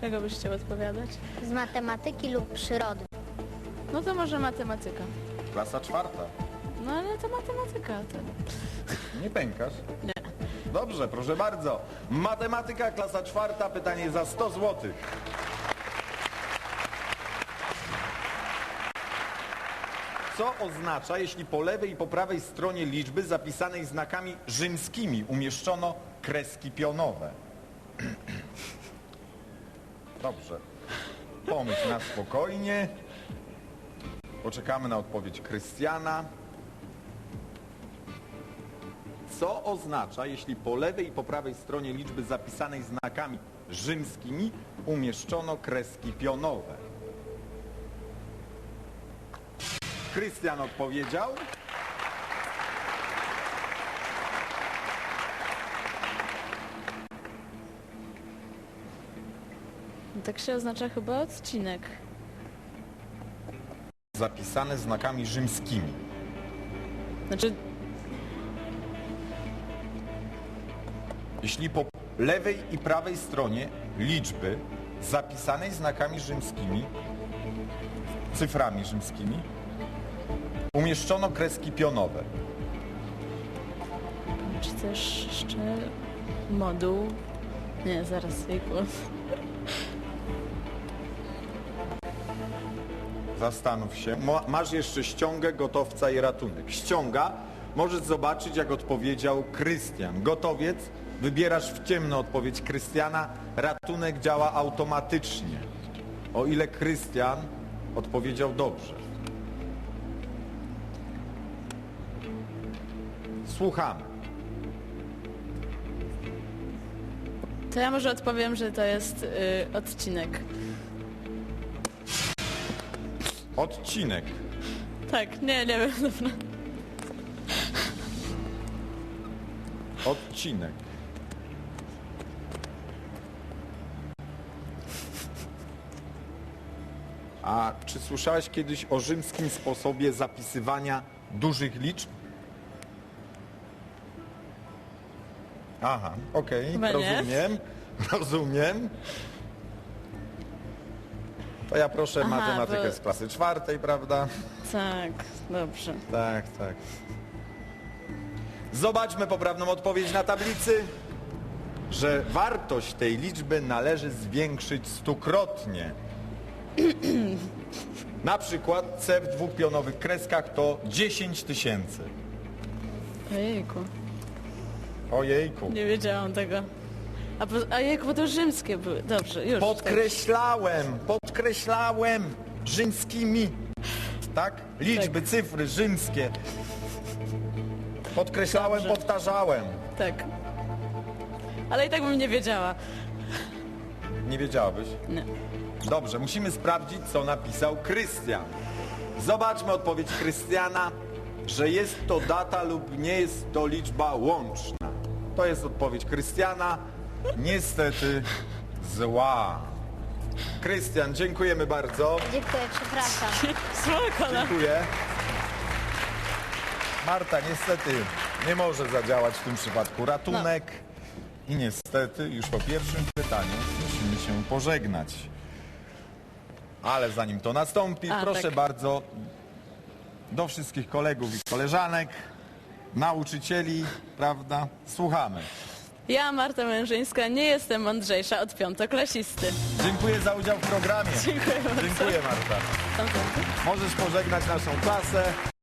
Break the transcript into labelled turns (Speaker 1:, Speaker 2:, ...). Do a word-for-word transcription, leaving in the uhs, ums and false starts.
Speaker 1: czego byś chciał odpowiadać?
Speaker 2: Z matematyki lub przyrody.
Speaker 1: No to może matematyka.
Speaker 3: Klasa czwarta.
Speaker 1: No ale to matematyka. To...
Speaker 3: Nie pękasz?
Speaker 1: Nie.
Speaker 3: Dobrze, proszę bardzo. Matematyka, klasa czwarta, pytanie za sto złotych. Co oznacza, jeśli po lewej i po prawej stronie liczby zapisanej znakami rzymskimi umieszczono kreski pionowe? Dobrze. Pomyśl na spokojnie. Poczekamy na odpowiedź Krystiana. Co oznacza, jeśli po lewej i po prawej stronie liczby zapisanej znakami rzymskimi umieszczono kreski pionowe? Krystian odpowiedział.
Speaker 1: No tak się oznacza chyba odcinek.
Speaker 3: Zapisane znakami rzymskimi.
Speaker 1: Znaczy,
Speaker 3: Jeśli po lewej i prawej stronie liczby zapisanej znakami rzymskimi, cyframi rzymskimi, umieszczono kreski pionowe.
Speaker 1: czy też jeszcze moduł? Nie, zaraz, jejku.
Speaker 3: Zastanów się. Ma- Masz jeszcze ściągę, gotowca i ratunek. Ściąga, możesz zobaczyć, jak odpowiedział Krystian. Gotowiec, wybierasz w ciemno odpowiedź Krystiana. Ratunek działa automatycznie, o ile Krystian odpowiedział dobrze. Słuchamy.
Speaker 1: To ja może odpowiem, że to jest y, odcinek.
Speaker 3: Odcinek.
Speaker 1: Tak, nie, nie wiem, dobra.
Speaker 3: Odcinek. A czy słyszałeś kiedyś o rzymskim sposobie zapisywania dużych liczb? Aha, okej,
Speaker 1: Chyba nie.
Speaker 3: rozumiem, rozumiem. To ja proszę
Speaker 1: Aha,
Speaker 3: matematykę
Speaker 1: bo-
Speaker 3: z klasy czwartej, prawda?
Speaker 1: Tak, dobrze.
Speaker 3: Tak, tak. Zobaczmy poprawną odpowiedź na tablicy, że wartość tej liczby należy zwiększyć stukrotnie. Na przykład C w dwóch pionowych kreskach to dziesięć tysięcy.
Speaker 1: Ojejku,
Speaker 3: Ojejku.
Speaker 1: nie wiedziałam tego. A, po, a jejku, bo to rzymskie były. Dobrze, już.
Speaker 3: Podkreślałem, podkreślałem rzymskimi. Tak? Liczby,
Speaker 1: Tak.
Speaker 3: cyfry rzymskie. Podkreślałem,
Speaker 1: Dobrze.
Speaker 3: powtarzałem.
Speaker 1: Tak. tak. Ale i tak bym nie wiedziała.
Speaker 3: Nie wiedziałabyś?
Speaker 1: Nie.
Speaker 3: Dobrze, musimy sprawdzić, co napisał Krystian. Zobaczmy odpowiedź Krystiana, że jest to data lub nie jest to liczba łączna. To jest odpowiedź Krystiana. Niestety zła. Krystian, dziękujemy bardzo.
Speaker 2: Dziękuję, przepraszam.
Speaker 1: Spoko, no.
Speaker 3: Dziękuję. Marta niestety nie może zadziałać w tym przypadku ratunek. I niestety już po pierwszym pytaniu musimy się pożegnać. Ale zanim to nastąpi,
Speaker 1: A,
Speaker 3: proszę
Speaker 1: tak.
Speaker 3: bardzo do wszystkich kolegów i koleżanek, nauczycieli, prawda? Słuchamy.
Speaker 1: Ja, Marta Mężyńska, nie jestem mądrzejsza od piątoklasisty.
Speaker 3: Dziękuję za udział w programie.
Speaker 1: Dziękuję bardzo.
Speaker 3: Dziękuję, Marta.
Speaker 1: Tam, tam.
Speaker 3: Możesz pożegnać naszą klasę.